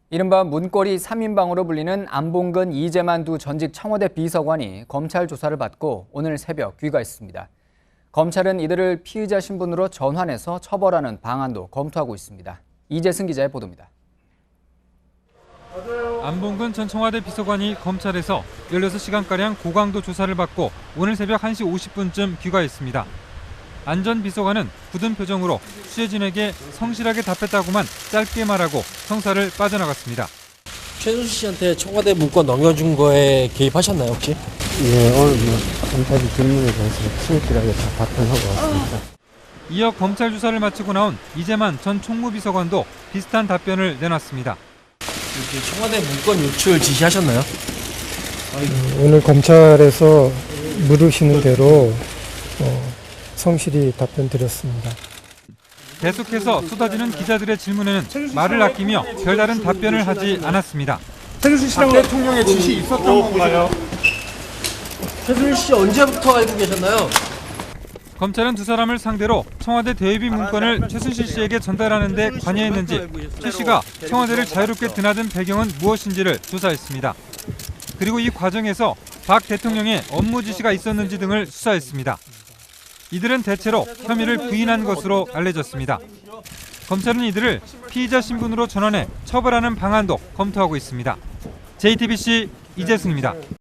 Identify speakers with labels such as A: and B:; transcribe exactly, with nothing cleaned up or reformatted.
A: 이른바 문고리 삼 인방으로 불리는 안봉근 이재만 두 전직 청와대 비서관이 검찰 조사를 받고 오늘 새벽 귀가했습니다. 검찰은 이들을 피의자 신분으로 전환해서 처벌하는 방안도 검토하고 있습니다. 이재승 기자의 보도입니다.
B: 안봉근 전 청와대 비서관이 검찰에서 열여섯 시간가량 고강도 조사를 받고 오늘 새벽 한 시 오십 분쯤 귀가했습니다. 안 전 비서관은 굳은 표정으로 취재진에게 성실하게 답했다고만 짧게 말하고 청사를 빠져나갔습니다.
C: 최순실 씨한테 청와대 문건 넘겨준 거에 개입하셨나요 혹시?
D: 예, 오늘 뭐 검찰이 질문에 대해서 성실하게 다 답변하고 왔습니다.
B: 이어 검찰 조사를 마치고 나온 이재만 전 총무비서관도 비슷한 답변을 내놨습니다.
C: 이렇게 청와대 문건 유출 지시하셨나요?
E: 오늘 검찰에서 물으시는 대로 어, 성실히 답변 드렸습니다.
B: 계속해서 쏟아지는 기자들의 질문에는 말을 아끼며 별다른 답변을 하지 않았습니다.
F: 최순실 씨랑 대통령의 지시 있었던 건가요?
C: 최순실 씨 언제부터 알고 계셨나요?
B: 검찰은 두 사람을 상대로 청와대 대외비 문건을 최순실 씨에게 전달하는 데 관여했는지, 최 씨가 청와대를 자유롭게 드나든 배경은 무엇인지를 조사했습니다. 그리고 이 과정에서 박 대통령의 업무 지시가 있었는지 등을 수사했습니다. 이들은 대체로 혐의를 부인한 것으로 알려졌습니다. 검찰은 이들을 피의자 신분으로 전환해 처벌하는 방안도 검토하고 있습니다. 제이티비씨 이재승입니다.